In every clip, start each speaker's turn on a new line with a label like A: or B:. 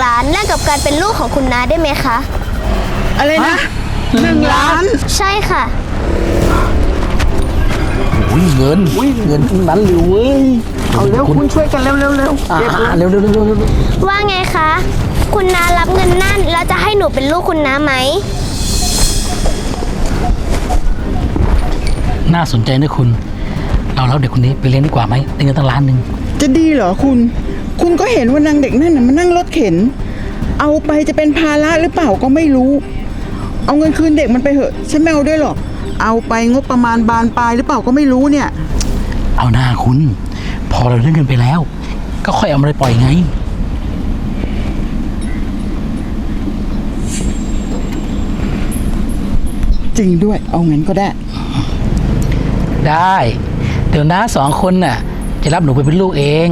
A: ล้านแลกกับการเป็นลูกของคุณน้าได้ไหมคะ
B: อะไรนะ1 ล้าน
A: ใช่ค่ะ
C: เงินทั้งนั้นเลยเว้ย
B: เอาเร็วคุณช่วยกันเร็วเก็บ
C: เร็ว
A: ว่าไงคะคุณน้ารับเงินนั่นแล้วจะให้หนูเป็นลูกคุณน้าไหม
C: น่าสนใจนะคุณเราเด็กคนนี้ไปเลี้ยงดีกว่าไหมได้เงินตั้ง1 ล้าน
B: จะดีเหรอคุณก็เห็นว่านางเด็กนั่นน่ะมันนั่งรถเข็นเอาไปจะเป็นภาระหรือเปล่าก็ไม่รู้เอาเงินคืนเด็กมันไปเถอะฉันไม่เอาด้วยหรอกเอาไปงบประมาณบานปลายหรือเปล่าก็ไม่รู้เนี่ย
C: เอาหน้าคุณพอเราเรื่องเงินไปแล้วก็ค่อยเอามาไปปล่อยไง
B: จริงด้วยเอาเงินก็ได้
C: เดี๋ยวน้า2 คนน่ะจะรับหนูไปเป็นลูกเอง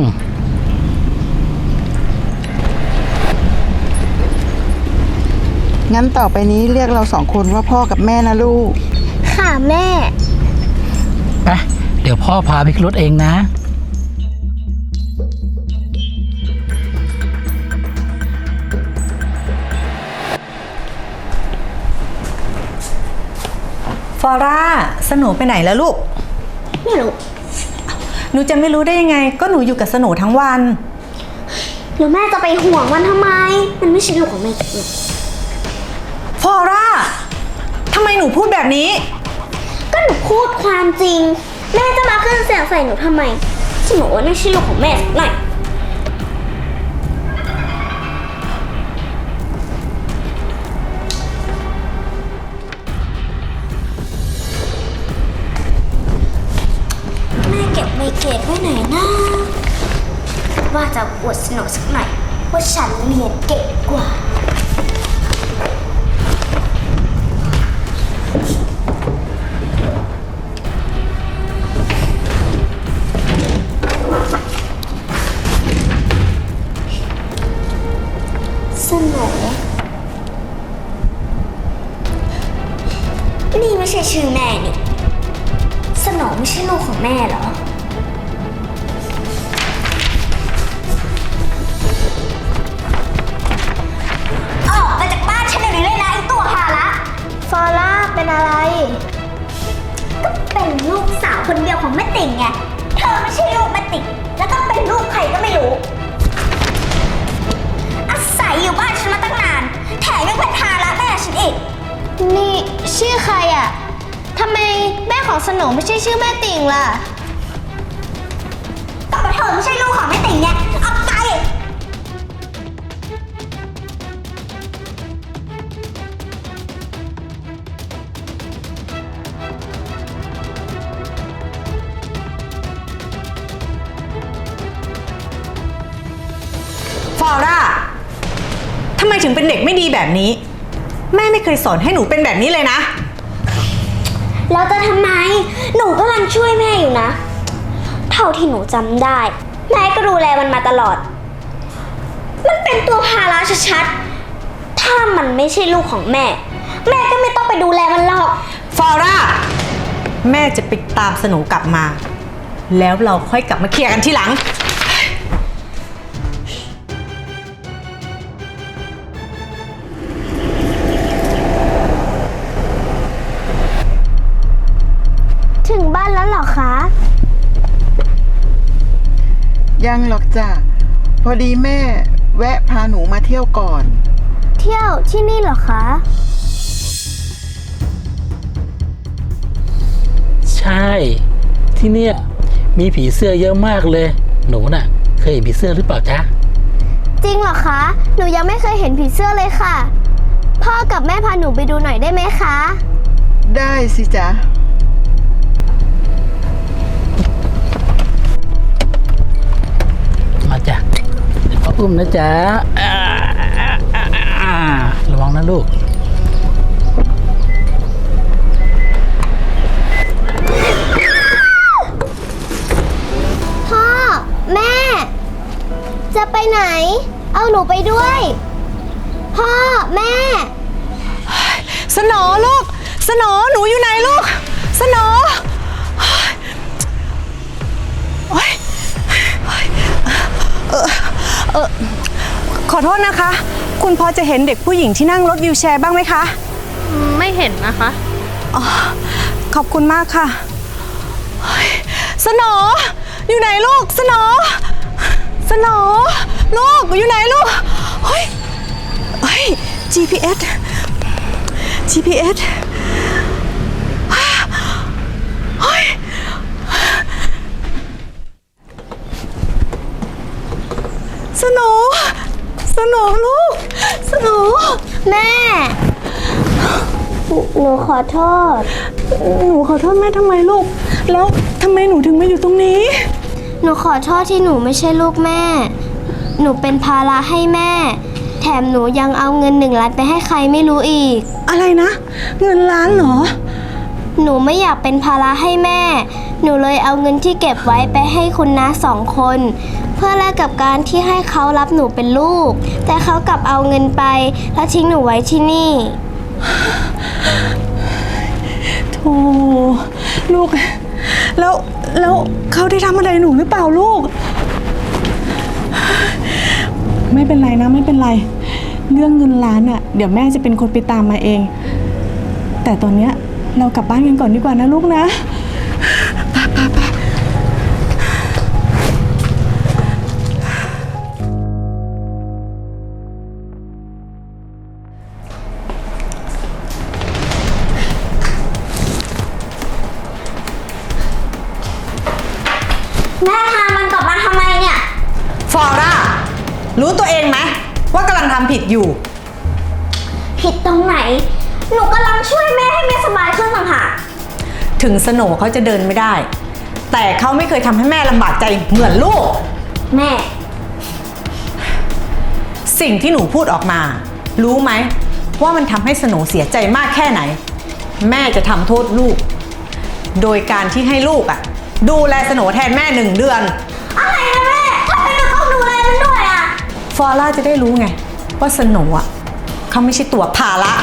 B: งั้นต่อไปนี้เรียกเรา2 คนว่าพ่อกับแม่นะลูก
A: ค่ะแม่
C: ไปเดี๋ยวพ่อพาไปขึ้นรถเองนะ
D: ฟอร่าสโหนูไปไหนแล้วลูก
A: ไม่รู้
D: หนูจะไม่รู้ได้ยังไงก็หนูอยู่กับสโหนูทั้งวัน
A: แล้วแม่จะไปห่วงมันทำไมมันไม่ใช่ลูกของแม่เลย
D: ฟอร่าทำไมหนูพูดแบบนี้
A: ก็หนูพูดความจริงแม่จะมาขึ้นเสียงใส่หนูทำไมฉันบอกว่าไม่ใช่ลูกของแม่สักหน่อยแม่เก็บไมเกรดไว้ไหนนะว่าจะอวดสนุกสักหน่อยว่าฉันเรียนเก่งกว่าสนุกนี่ไม่ใช่ชื่อแม่นี่สนองไม่ใช่ลูกของแม่เหรอออกไปจากบ้านฉันเดี๋ยวนี้เลยนะไอ้ตัวหาละฟอร่าเป็นอะไรก็เป็นลูกสาวคนเดียวของแม่ติ่งไงเธอไม่ใช่ลูกแม่ติ่งแล้วก็เป็นลูกใครก็ไม่รู้อาศัยอยู่บ้านฉันมาตั้งนานแถมยังเป็นภาระแม่ฉันอีกนี่ชื่อใครอ่ะทำไมแม่ของสโหนูไม่ใช่ชื่อแม่ติ่งล่ะก็เพราะเธอไม่ใช่ลูกของแม่ติ่งไงออกไป
D: ฟอร่าทำไมถึงเป็นเด็กไม่ดีแบบนี้แม่ไม่เคยสอนให้หนูเป็นแบบนี้เลยนะ
A: แล้วจะทำไมหนูกำลังช่วยแม่อยู่นะเท่าที่หนูจำได้แม่ก็ดูแลมันมาตลอดมันเป็นตัวภาระชัดๆถ้ามันไม่ใช่ลูกของแม่แม่ก็ไม่ต้องไปดูแลมันหรอก
D: ฟอร่าแม่จะไปตามสโหนูกลับมาแล้วเราค่อยกลับมาเคลียร์กันทีหลัง
A: ถึงบ้านแล้วเหรอคะ
B: ยังหรอกจ้ะพอดีแม่แวะพาหนูมาเที่ยวก่อน
A: เที่ยวที่นี่เหรอคะ
C: ใช่ที่เนี่ยมีผีเสื้อเยอะมากเลยหนูน่ะเคยเห็นผีเสื้อหรือเปล่าจ๊ะ
A: จริงเหรอคะหนูยังไม่เคยเห็นผีเสื้อเลยค่ะพ่อกับแม่พาหนูไปดูหน่อยได้ไหมคะ
B: ได้สิจ๊ะ
C: มาจ้ะเดี๋ยวพ่ออุ้มนะจ๊ะระวังนะลูก
A: พ่อแม่จะไปไหนเอาหนูไปด้วยพ่อแม่
D: สโหนูลูกสโหนูหนูอยู่ไหนลูกสโหนูขอโทษนะคะ คุณพอจะเห็นเด็กผู้หญิงที่นั่งรถวีลแชร์บ้างไหมคะ
E: ไม่เห็นนะคะ
D: อ๋อ ขอบคุณมากค่ะเฮ้ยสโหนอยู่ไหนลูก สโหนลูกอยู่ไหนลูก เฮ้ย GPS เฮ้ย สโหนลูก สโหน
A: แม่ หนูขอโทษ
D: หนูขอโทษแม่ทำไมลูก แล้วทำไมหนูถึงมาอยู่ตรงนี้
A: หนูขอโทษที่หนูไม่ใช่ลูกแม่ หนูเป็นภาระให้แม่ แถมหนูยังเอาเงิน1 ล้านไปให้ใครไม่รู้อีก
D: อะไรนะ เงินล้านเหรอ
A: หนูไม่อยากเป็นภาระให้แม่ หนูเลยเอาเงินที่เก็บไว้ไปให้คุณน้า2 คน เพื่อแลกกับการที่ให้เขารับหนูเป็นลูก แต่เขากลับเอาเงินไปแล้วทิ้งหนูไว้ที่นี่
D: โธ่ลูก แล้วเขาได้ทำอะไรหนูหรือเปล่าลูก ไม่เป็นไรนะ ไม่เป็นไร เรื่องเงินล้านอ่ะ เดี๋ยวแม่จะเป็นคนไปตามมาเอง แต่ตอนเนี้ยเรากลับบ้านกันก่อนดีกว่านะลูกนะไป
A: แม่พามันกลับมาทำไมเนี่ย
D: ฟอร่า รู้ตัวเองไหมว่ากำลังทำผิดอยู่
A: ผิดตรงไหน หนูกำลังช่วยแม่ให้แม่สบายขึ้นต่างหาก
D: ถึงสโหนเขาจะเดินไม่ได้ แต่เขาไม่เคยทำให้แม่ลำบากใจเหมือนลูก
A: แม่
D: สิ่งที่หนูพูดออกมา รู้ไหมว่ามันทำให้สโหนเสียใจมากแค่ไหน แม่จะทำโทษลูก โดยการที่ให้ลูกอ่ะ ดูแลสโหนแทนแม่1 เดือน
A: อะไรนะแม่ทำไมหนูต้องดูแลมันด้วยอ่ะ
D: ฟอร่าจะได้รู้ไง ว่าสโหนอ่ะเขาไม่ใช่ตัวภาระ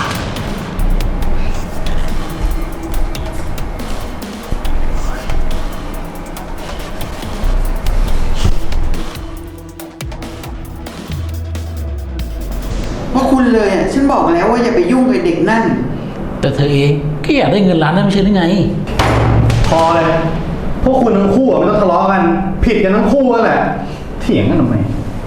B: เพราะคุณเลยอ่ะ ฉันบอกแล้วว่าอย่าไปยุ่งกับเด็กนั่น
C: แต่เธอเองก็อยากได้เงินล้านนั่นไม่ใช่หรือไง
F: พอเลย พวกคุณทั้งคู่อะไม่ต้องทะเลาะกัน ผิดกันทั้งคู่นั่นแหละ เถียงกันทำไม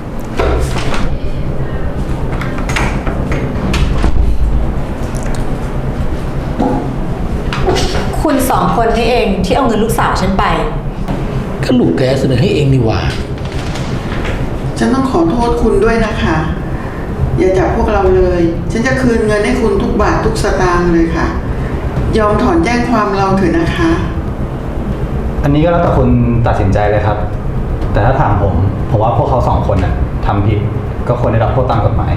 D: คุณ2 คนนี่เองที่เอาเงินลูกสาวฉันไป
C: ก็ลูกแกเสนอให้เองนี่หว่า
B: ฉันต้องขอโทษคุณด้วยนะคะ อย่าจับพวกเราเลย ฉันจะคืนเงินให้คุณทุกบาททุกสตางค์เลยค่ะ ยอมถอนแจ้งความเราเถอะนะคะ
F: อันนี้ก็แล้วแต่คุณตัดสินใจเลยครับ แต่ถ้าถามผมว่าพวกเขา2 คนน่ะทำผิด ก็ควรได้รับโทษตามกฎหมาย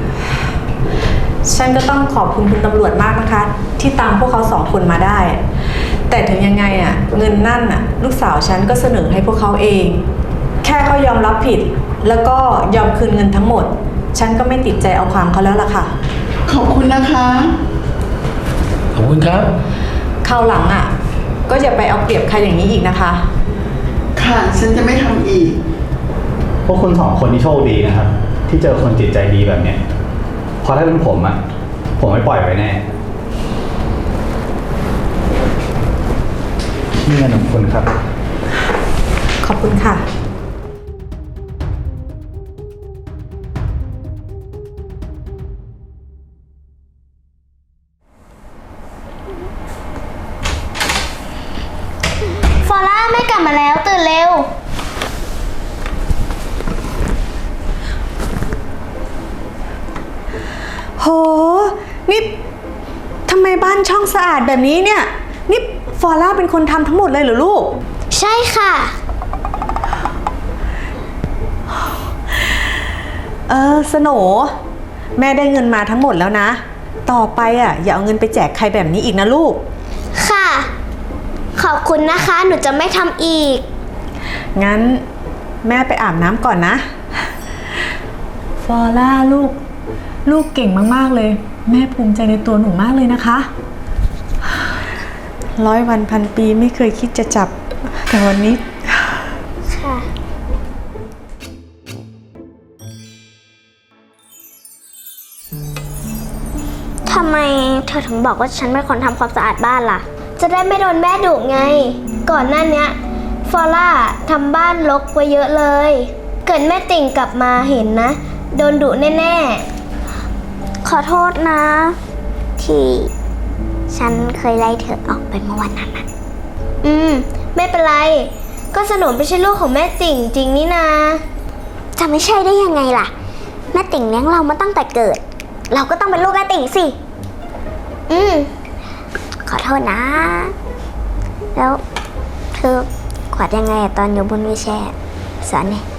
D: ฉันก็ต้องขอบคุณคุณตำรวจมากนะคะ ที่ตามพวกเขา2 คนมาได้ แต่ถึงยังไงอ่ะ เงินนั่นอ่ะ ลูกสาวฉันก็เสนอให้พวกเขาเอง แค่เขายอมรับผิด แล้วก็ยอมคืนเงินทั้งหมด ฉันก็ไม่ติดใจเอาความเขาแล้วล่ะค่ะ
B: ขอบคุณนะคะ
C: ขอบคุณครับ
D: คราวหลังอ่ะ ก็อย่าไปเอาเปรียบใครอย่างนี้อีกนะคะ
B: ค่ะ ฉันจะไม่ทำอีก
F: พวกคุณ2 คนที่โชคดีนะครับ ที่เจอคนจิตใจดีแบบเนี้ยเพราะถ้าเป็นผมอ่ะ ผมไม่ปล่อยไว้แน่นี่เงินของคุณครับ
D: ขอบคุณค่ะ
A: ฟอร่าแม่กลับมาแล้วตื่นเร็ว
D: โห นี่ทำไมบ้านช่องสะอาดแบบนี้เนี่ย นี่ฟอร่าเป็นคนทำทั้งหมดเลยเหรอลูก
A: ใช่ค่ะ
D: สโหนแม่ได้เงินมาทั้งหมดแล้วนะ ต่อไปอ่ะอย่าเอาเงินไปแจกใครแบบนี้อีกนะลูก
A: ค่ะ ขอบคุณนะคะ หนูจะไม่ทำอีก
D: งั้นแม่ไปอาบน้ำก่อนนะ ฟอร่าลูกเก่งมากๆเลย แม่ภูมิใจในตัวหนูมากเลยนะคะ 100 วันพันปีไม่เคยคิดจะจับ แต่วันนี้
A: ค่ะทำไมเธอถึงบอกว่าฉันเป็นคนทำความสะอาดบ้านล่ะ
G: จะได้ไม่โดนแม่ดุไง ก่อนหน้าเนี้ยฟอล่าทำบ้านรกไว้เยอะเลย เกิดแม่ติ่งกลับมาเห็นนะ โดนดุแน่ๆ
A: ขอโทษนะ ที่ฉันเคยไล่เธอออกไปเมื่อวันนั้นนะ
G: ไม่เป็นไร ก็สนมไม่ใช่ลูกของแม่ติ่งจริงนี่นา
A: จะไม่ใช่ได้ยังไงล่ะ แม่ติ่งเลี้ยงเรามาตั้งแต่เกิด เราก็ต้องเป็นลูกแม่ติ่งสิ ขอโทษนะ แล้วเธอกวาดยังไงอะตอนอยู่บนวีลแชร์สอนหน่อย